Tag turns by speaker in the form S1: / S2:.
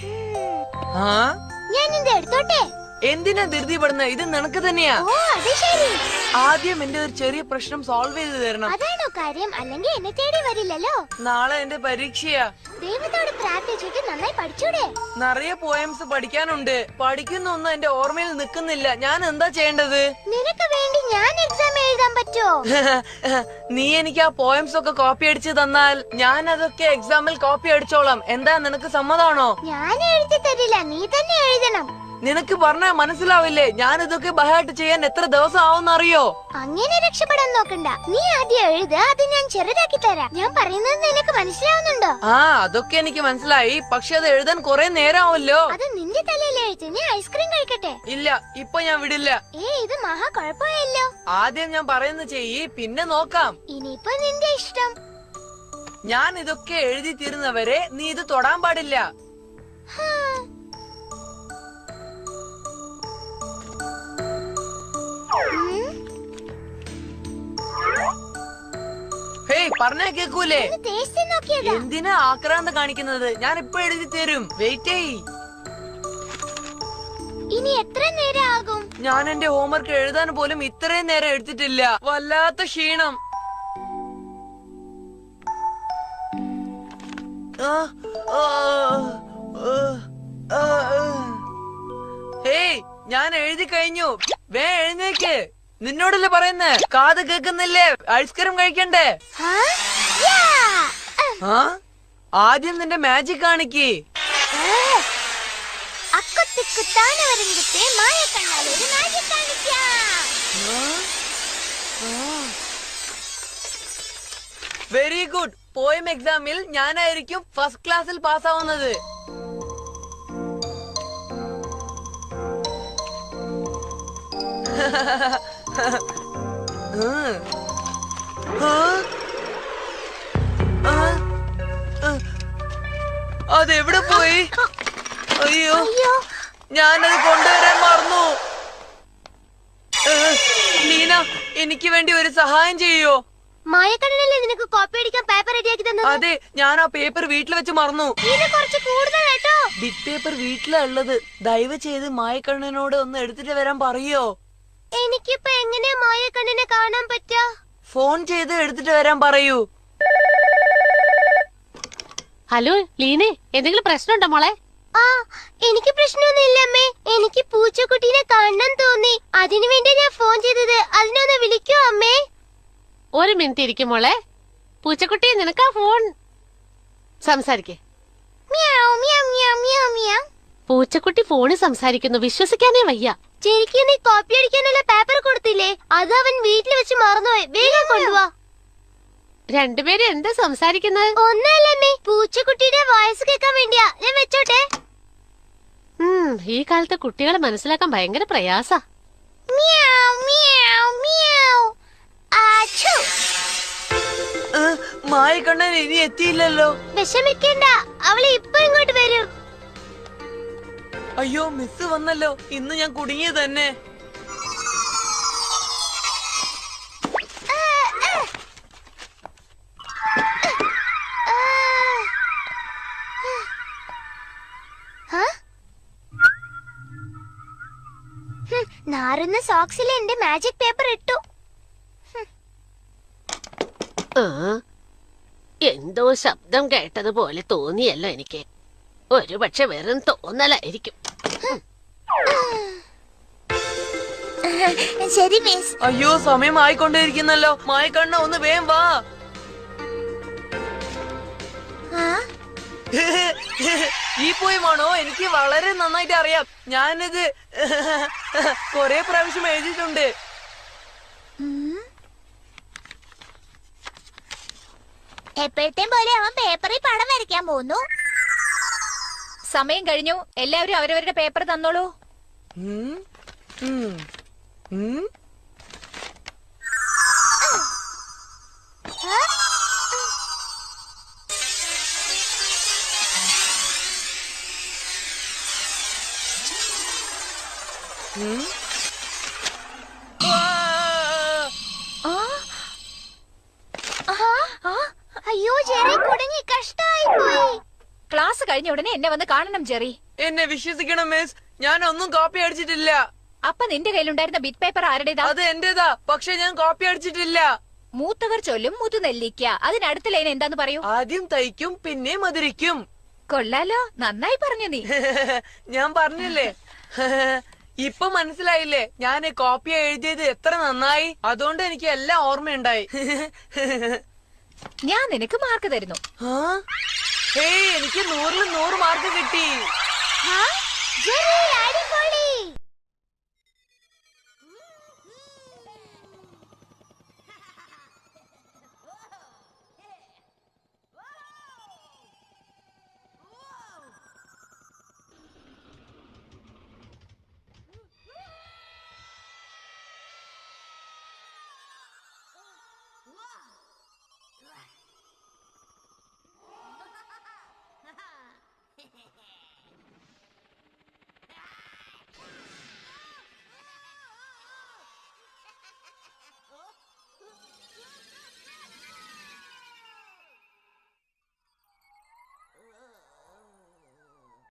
S1: ഞാൻ ഇത് എടുത്തോട്ടെ.
S2: എന്തിനാ ധൃതിപ്പെടുന്നത്? ഇത് നിനക്ക് തന്നെയാ. ആദ്യം എന്റെ ഒരു ചെറിയ പ്രശ്നം സോൾവ് ചെയ്ത് തരണം.
S1: അതാണോ കാര്യം? അല്ലെങ്കിൽ എന്നെ തേടി വരില്ലല്ലോ.
S2: നാളെ എന്റെ പരീക്ഷയാ.
S1: ദൈവത്തോട് പ്രാർത്ഥിച്ചിട്ട് നന്നായി പഠിച്ചൂടെ?
S2: നിറയെ പോയംസ് പഠിക്കാനുണ്ട്. പഠിക്കുന്നൊന്നും എന്റെ ഓർമ്മയിൽ നിൽക്കുന്നില്ല. ഞാൻ എന്താ ചെയ്യേണ്ടത്?
S1: നിനക്ക് വേണ്ടി ഞാൻ എക്സാം എഴുതാൻ പറ്റുമോ?
S2: നീ എനിക്ക് ആ പോയംസ് ഒക്കെ കോപ്പി അടിച്ച് തന്നാൽ ഞാൻ അതൊക്കെ എക്സാമിൽ കോപ്പി അടിച്ചോളാം. എന്താ, നിനക്ക് സമ്മതാണോ?
S1: ഞാൻ എഴുതി തരില്ല, നീ തന്നെ എഴുതണം.
S2: നിനക്ക് പറഞ്ഞാ മനസ്സിലാവില്ലേ? ഞാൻ ഇതൊക്കെ ബഹായിട്ട് ചെയ്യാൻ എത്ര ദിവസം ആവുന്നറിയോ?
S1: അങ്ങനെ രക്ഷപ്പെടാൻ നോക്കണ്ട. നീ ആദ്യം എഴുത്, അത് ഞാൻ ചെറുതാക്കി തരാം. ഞാൻ പറയുന്നത് നിനക്ക് മനസ്സിലാവുന്നുണ്ടോ?
S2: അതൊക്കെ എനിക്ക് മനസ്സിലായി. പക്ഷെ അത് എഴുതാൻ കുറെ നേരമാവല്ലോ.
S1: അത് നിന്റെ തലയിൽ എഴുതി. നീ ഐസ്ക്രീം കഴിക്കട്ടെ?
S2: ഇല്ല, ഇപ്പൊ ഞാൻ വിടില്ല.
S1: ഇത് മഹാ കുഴപ്പമായല്ലോ.
S2: ആദ്യം ഞാൻ പറയുന്നത് ചെയ്യ്, പിന്നെ നോക്കാം.
S1: ഇനിയിപ്പോ നിന്റെ ഇഷ്ടം.
S2: ഞാൻ ഇതൊക്കെ എഴുതി തീരുന്നവരെ നീ ഇത് തൊടാൻ പാടില്ല. പറഞ്ഞാ കേക്കൂലേ? എന്തിനാ ആക്രാന്തം കാണിക്കുന്നത്? ഞാൻ ഇപ്പൊ എഴുതി തരും. വെയിറ്റ് ചെയ്.
S1: ഇനി എത്ര നേരം ആകും?
S2: ഞാൻ എന്റെ ഹോംവർക്ക് എഴുതാൻ പോലും ഇത്രയും നേരം എടുത്തിട്ടില്ല. വല്ലാത്ത ക്ഷീണം. ഹേയ്, ഞാൻ എഴുതി കഴിഞ്ഞു. വേ എഴുന്നേക്ക്. നിന്നോടല്ലേ പറയുന്നേ? കാത് കേക്കുന്നില്ലേ? ഐസ്ക്രീം കഴിക്കണ്ടേ? ആദ്യം നിന്റെ മാജിക് കാണിക്ക്. Very good. പോയം എക്സാമിൽ ഞാനായിരിക്കും ഫസ്റ്റ് ക്ലാസ്സിൽ പാസ്സാവുന്നത്. അതെവിടെ പോയി? അയ്യോ, ഞാനത് കൊണ്ടുവരാൻ മറന്നു. ലീന, എനിക്ക് വേണ്ടി ഒരു സഹായം ചെയ്യോ?
S1: മായക്കണ്ണനല്ലേ നിനക്ക് കോപ്പി അടിക്കാൻ പേപ്പർ റെഡിയാക്കി തന്നത്?
S2: അതെ, ഞാൻ ആ പേപ്പർ വീട്ടിൽ വെച്ച് മറന്നു. ബിറ്റ് പേപ്പർ വീട്ടിലാ ഉള്ളത്. ദയവ് ചെയ്ത് മായക്കണ്ണനോട് ഒന്ന് എടുത്തിട്ട് വരാൻ പറയോ?
S1: എനിക്കിപ്പോ എങ്ങനെയാ മായക്കണ്ണനെ കാണാൻ പറ്റാ?
S2: ഫോൺ ചെയ്ത് എടുത്തിട്ട് വരാൻ പറയൂ.
S3: ഹലോ ലീനെ, എന്തെങ്കിലും പ്രശ്നമുണ്ടോ മോളെ?
S1: എനിക്ക് പ്രശ്നമൊന്നുമില്ല അമ്മേ. എനിക്ക് പൂച്ചക്കുട്ടീനെ കാണാൻ തോന്നി. അതിനു വേണ്ടി ഞാൻ ഫോൺ ചെയ്തത്. അതിനൊന്ന് വിളിക്കോ അമ്മേ?
S3: ഒരു മിനിറ്റ് ഇരിക്കും മോളെ. പൂച്ചക്കുട്ടി, നിനക്കാ ഫോൺ. സംസാരിക്കേ. പൂച്ചക്കുട്ടി ഫോണിൽ സംസാരിക്കുന്നു. വിശ്വസിക്കാനേ വയ്യ.
S1: ശരിക്കും നീ കോപ്പി അടിക്കാനുള്ള പേപ്പർ കൊടുത്തില്ലേ? അത് അവൻ വീട്ടിൽ വെച്ച് മറന്നുപോയി. വേഗം കൊണ്ടുവാ.
S3: രണ്ടുപേരും എന്താ സംസാരിക്കുന്നത്?
S1: ഒന്നല്ലേ, പൂച്ചക്കുട്ടിയുടെ വോയിസ് കേൾക്കാൻ വേണ്ടിയാ. ഞാൻ വെച്ചോട്ടെ.
S3: ഈ കാലത്തെ കുട്ടികളെ മനസ്സിലാക്കാൻ ഭയങ്കര പ്രയാസാ.
S2: മായക്കണ്ണൻ ഇനി എത്തിയില്ലല്ലോ.
S1: വിഷമിക്കണ്ട, അവളെ ഇപ്പൊ ഇങ്ങോട്ട് വരും.
S2: അയ്യോ, മിസ് വന്നല്ലോ. ഇന്ന് ഞാൻ കുടുങ്ങിയത് തന്നെ.
S1: നാറുന്ന സോക്സിൽ എന്റെ മാജിക് പേപ്പർ ഇട്ടു.
S3: എന്തോ ശബ്ദം കേട്ടതുപോലെ തോന്നിയല്ലോ എനിക്ക്. ഒരു പക്ഷെ വെറും തോന്നലായിരിക്കും.
S1: ശരി മിസ്.
S2: അയ്യോ, സമയം ആയിക്കൊണ്ടിരിക്കുന്നല്ലോ. മായക്കണ്ണ, ഒന്ന് വേഗം വാ. ഈ പോയമാണോ? എനിക്ക് വളരെ നന്നായിട്ട് അറിയാം. ഞാനിത് കൊറേ പ്രാവശ്യം എഴുതിയിട്ടുണ്ട്.
S1: എപ്പോഴത്തെയും പോലെ അവൻ പേപ്പറിൽ പടം വരയ്ക്കാൻ പോകുന്നു.
S4: സമയം കഴിഞ്ഞു. എല്ലാവരും അവരവരുടെ പേപ്പർ തന്നോളൂ.
S1: അയ്യോ, ജെറി കുടുങ്ങി. കഷ്ടായി പോയി.
S4: ക്ലാസ് കഴിഞ്ഞ ഉടനെ എന്നെ വന്ന് കാണണം ജെറി.
S2: എന്നെ വിശ്വസിക്കണം മിസ്, ഞാൻ ഒന്നും കോപ്പി അടിച്ചിട്ടില്ല.
S4: അപ്പൊ നിന്റെ കയ്യിലുണ്ടായിരുന്ന ബിറ്റ് പേപ്പർ ആരുടേതാ?
S2: അത് എന്റേതാ, പക്ഷെ ഞാൻ കോപ്പി അടിച്ചിട്ടില്ല.
S4: മൂത്തവർ ചൊല്ലും മുതുനെല്ലിക്ക. അതിനടുത്ത ലൈൻ എന്താന്ന് പറയൂ.
S2: ആദ്യം തയ്ക്കും പിന്നെ മധുരിക്കും.
S4: കൊള്ളാലോ, നന്നായി പറഞ്ഞു നീ.
S2: ഞാൻ പറഞ്ഞില്ലേ. ഇപ്പൊ മനസ്സിലായില്ലേ ഞാൻ കോപ്പി എഴുതിയത് എത്ര നന്നായി? അതുകൊണ്ട് എനിക്ക് എല്ലാം ഓർമ്മയുണ്ടായി.
S4: ഞാൻ നിനക്ക് മാർക്ക് തരുന്നു.
S2: എനിക്ക് 100-ൽ 100 മാർക്ക് കിട്ടി.
S1: ജെറി